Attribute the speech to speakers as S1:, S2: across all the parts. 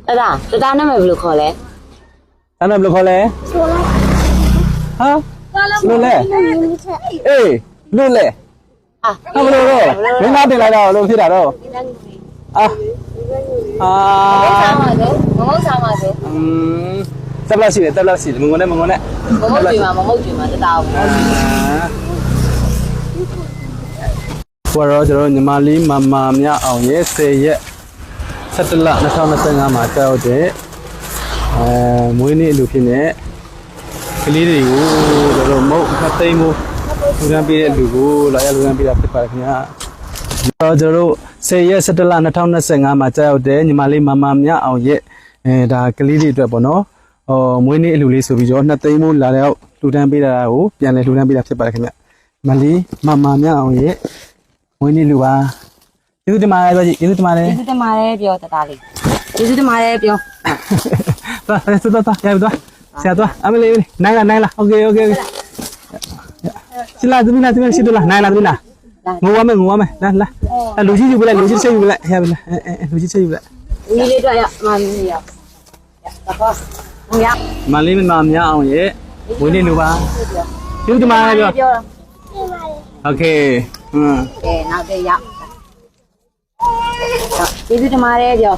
S1: တာနာမည်ဘယ်လိုခေါ်လဲ
S2: အဲ့တော့ဘယ်လိုခေါ်လဲဟာလို့လဲအေးလို့လဲဟာဘယ်လိုတော့မင်းသားတင်လိုက်တော့လို့ဖြစ်တာတော့အာ
S1: မဟုတ်စားပါစေ
S2: တက်လက်ရှိတယ်တက်လက်ရှိတယ်မငုံနဲ့
S1: မဟုတ်ကြွေမှာတတားဘူး
S2: ဘောတော့ကျွန်တော်ညီမလေးမမမြအောင်ရဲ့10ရက်17လ2025မှာကြောက်တဲ့မွေးနေ့လူဖြစ်နေကလေးတွေကိုကျွန်တော်မုတ်နှစ်သိန်းမို့လူတန်းပေးတဲ့လူကိုလာရလူတန်းပေးတာဖြစ်ပါတယ်ခင်ဗျာကျွန်တော်တို့10ရက်17လ2025မှာကြောက်တဲ့ညီမလေးမမမြအောင်ရဲ့ဒါကလေးတွေအတွက်ပေါ့နော်မွေးနေ့အလူလေးဆိုပြီးတော့နှစ်သိန်းမို့လာတော့လူတန်းပေးတာကိုပြန်လဲလူတန်းပေးတာဖြစ်ပါတယ်ခင်ဗျမလေးမမမြအောင်ရဲ့မွေးနေ့လူပါကျေးဇူးတင်ပါတယ်ပြောကြည့်ကျေးဇူးတင်ပါတယ်
S1: ပြောတတားလေးကျေးဇူးတင်ပါတယ်ပြော
S2: သွားရပြီသွားဆရာသွားအမလေးနိုင်လားโอเคရှိလားသမီးရှိတော့လားနိုင်လားသမီးလားငိုရမယ်လာလူကြီးယူပလိုက်လူကြီးချက်ယူပလိုက်ရပြီလားလူကြီးချက်ယူပလိုက်
S1: ဒီလေးတော့ရမမီးရတော့
S2: မလေးမမများအောင်ရဲ့ဝင်းနေလူပါကျေးဇူးတင်ပါတယ်ပြောโอเค
S1: နောက်တစ်ရောက်ကျေးဇူးတင်ပါတယ်ပြော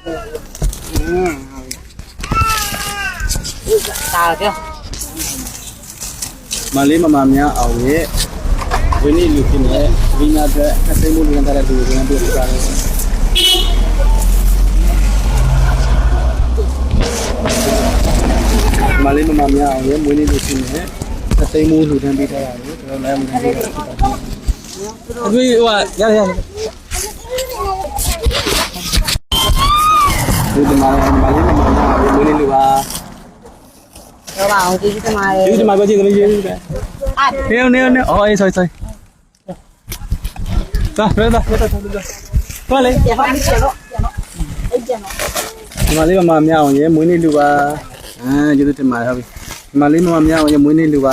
S1: တာပြော
S2: မလေးမမများအောင်ရဲ့ဝင်းနေလူဖြစ်နေဝိညာဉ်အတွက်အသိမှုလူငန်းတဲ့လူတွေနဲ့တွေ့ကြတယ်မလေးမမများအောင်ရဲ့ဝင်းနေလူဖြစ်နေအသိမှုလူတန်းပေးထားရတယ်ကျွန်တော်လည်းမသိဘူးအခုဟိုရဒီမှာမလေးမမများဝင်းနေလူပါ
S1: တော့ပါအောင်ကျေးဇူးတင်ပါတယ်
S2: ကျေးဇူးတင်ပါကျေးဇူးတင်ပါတယ်နေအော်အေးsorryသွားလေ
S1: ပြန်ပါမယ်တော့အဲ့ကျန်တော့
S2: ဒီမလေးမမမြအောင်ရေမွေးနေ့လူပါကျေးဇူးတင်ပါတယ်ဟုတ်ပြီဒီမလေးမမမြအောင်ရေမွေးနေ့လူပါ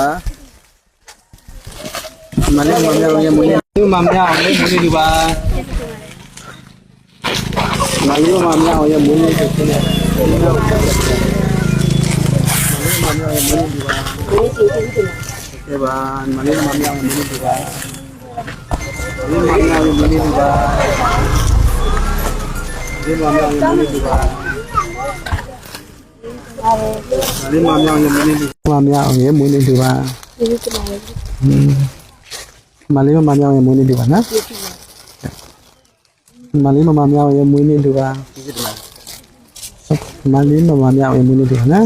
S2: ဒီမလေးမမမြအောင်ရေမွေးနေ့လူမမမြအောင်ရေမွေးနေ့လူပါဒီမလေးမမမြအောင်ရေမွေးနေ့လူဖြစ်နေမမမြအောင်ရေမွေးနေ့လူပါ
S1: ဒီစီကျေးဇူးတင်
S2: ကဲပါမလေးမမမြအောင်ရေမွေးနေ့လူပါမလေးမမမြအောင်ရေမွေးနေ့လူပါဒီမမမြအောင်ရေမွေးနေ့လူပါမလေးမမြောင်ရမလေးမမြောင်ရမွေးနေ့လူပါကျေးဇူးတင်ပါတယ်မလေးမမြောင်ရမွေးနေ့လူပါနော်မလေးမမြောင်ရမွေးနေ့လူပါကျေးဇူးတင်ပါတယ်မလေးမမြောင်ရမွေးနေ့လူပါနော်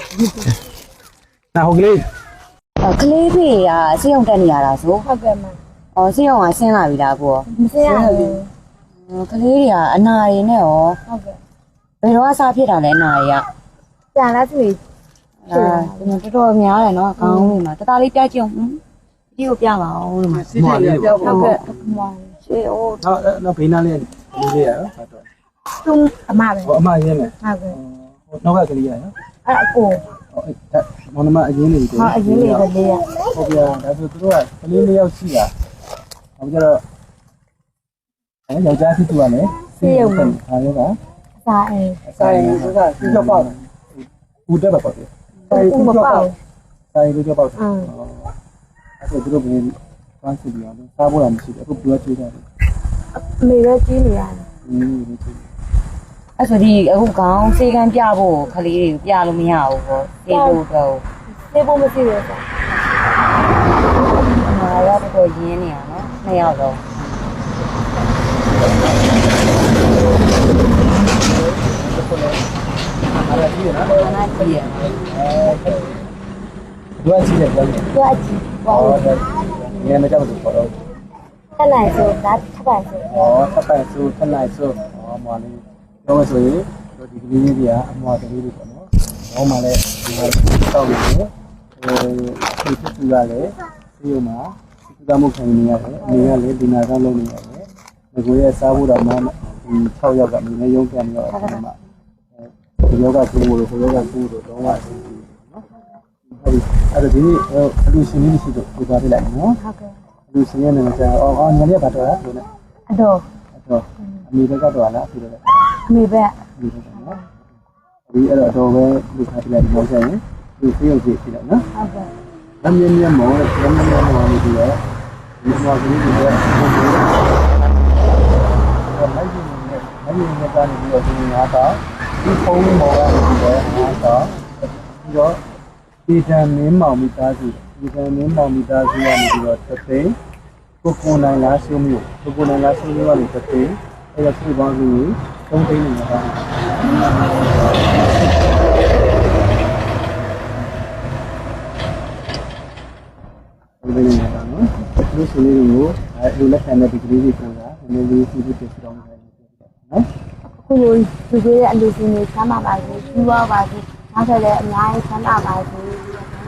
S2: နာဟုတ်ကလေး
S1: ကလေးတွေကစေးရုံတက်နေရတာဆိုဟုတ်ကဲ့မစေးရုံကဆင်းလာပြီလားကိုမဆင်းရဘူးကလေးတွေကအနာတွေနဲ့ရောဟုတ်ကဲ့ဘယ်တော့စားဖြစ်တာလဲအနာတွေကပြန်လာပြီတော်တော်များတယ်နော်ခေါင်းလေးမှာတသားလေးပြကြည့်အောင်ဒီကိုပြပါအောင်လို့မှာ
S2: မွာလေး
S1: ဟုတ်ကဲ့မွာရှေးအိုး
S2: တော့ဘေးနားလေးလေးရဟုတ်တော့
S1: သူအမပဲ
S2: အမရင်းမယ်
S1: ဟုတ်ကဲ့
S2: နောက်ကကလေးရနော်
S1: အဲ့အကို
S2: မောင်နှမအရင်လေး
S1: ကိုအရင်လေးပဲလေးရ
S2: ဟုတ်ပြဒါဆိုသူတို့ကကလေးလေးယောက်ရှိတာအခုကျတော့ယောက်ျားဖြစ်သူကလည်း
S1: စေးရုံ
S2: ခါရောက
S1: စားအိ
S2: သူကစီးကြောက်ပေါ့ဦးတက်ပါပေါ့ဆိုင်ဦးကြောက်ပေါ့ဆိုင်ဦးကြောက်ပေါ့အဲ့ဒါသူတို့ဘယ်ပန်းစီပြီးအောင်စားဖို့လည်းမရှိဘူးအခုပြောချွေးတယ်
S1: အမေပဲကြီးနေရတယ်အဲ့ဆိုဒီအခုခေါင်းစေးကန်းပြဖို့ခလေးတွေပြလို့မရဘူးပေါ့စေးဖို့တော့စေးဖို့မရှိဘူးဆိုတော့တော့ရင်းနေရနော်နှစ်ယောက်တော့
S2: အဲ့ဒါကြီးရနော်
S1: အဲ့ဒါကြီးရ
S2: ဒွါကြီးတယ်ဗျာ
S1: ဒွါကြီး
S2: ဟုတ်တယ်ငယ်မကြောက်ဘူးပေါ့တော့
S1: ထလိုက်ဆိုဒါထပ်ပါဆို
S2: ထပ်ပိုင်ဆိုထလိုက်ဆိုမွာလေးပြောမဆိုရင်ဒီကလေးတွေကအမွာကလေးတွေပေါ့နော်။ဘောမှလည်းဒီမှာတောက်နေတယ်။ဒီဖြစ်သူကလည်းဒီဥမှာစီကမှုခံနေရတယ်။အနေကလည်းဒီနာကလုံးနေရတယ်။ဒီကိုရဲ့စားဖို့တော့မှဒီ6ယောက်ကနေနဲ့ရုံးပြန်ပြီးတော့အဲ့ဒါမှဒီယောဂကူလို့ဟိုယောဂကူလို့တော့အဆင်ပြေနော်။ဟုတ်ပြီ။အဲ့ဒါဒီနေ့အလူရှင်လေးရှိတော့ပြသွားပြလိုက်နော်
S1: ။ဟုတ်ကဲ့
S2: ။အလူရှင်ရဲ့နာမည်ကညနေကတော့လို့နဲ့
S1: အတော်
S2: အမေဘက်ကတော့လားအဖေဘက်
S1: အမေဘက်
S2: အမေဘက်နော်ဒီအဲ့တော့ပဲလူခါပြလိုက်တော့ဆက်ရင်လူဖေးရုပ်ကြည့်ဖြစ်တော့နော်ဟုတ်ကဲ့အမြင်မြင်မောအမြင်မြင်မောနေပြီးတော့ဒီမောကလေးတွေလိုက်နေနေကနေပြီးတော့ဒီငါတော့ဒီဖုန်းမောကနေပြီးတော့ငါတော့ပြီးတော့ဒီတန်မင်းမောင်မိသားစုဒီတန်မင်းမောင်မိသားစုကနေပြီးတော့သသိန်းကိုနိုင်လားရှုံးမျိုးကိုနိုင်လားရှုံးမျိုးကနေသသိန်းအဲ့ဒါစုပေါင်းပြီး3သိန်းနေမှာဒီလိုနေတာနော်ဒီဆိုလေးကိုလူလက်ခံတဲ့ဒီကလေးကိုဆိုတာနည်းနည်းလေးစီးပြီးပြတောင်းတယ်နော်
S3: အခုလိုလူတွေရဲ့အလူရှင်တွေဆမ်းပါပါစေပြီးသွားပါစေနောက်ထပ်လည်းအများကြီးဆမ်းပါပါစေဒီ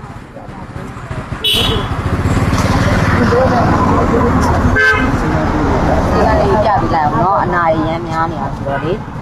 S3: လိုပဲ
S1: ဒီကလေးပြပြလိုက်အောင်နော်အနာရရမ်းများနေတာဆိုတော့လေ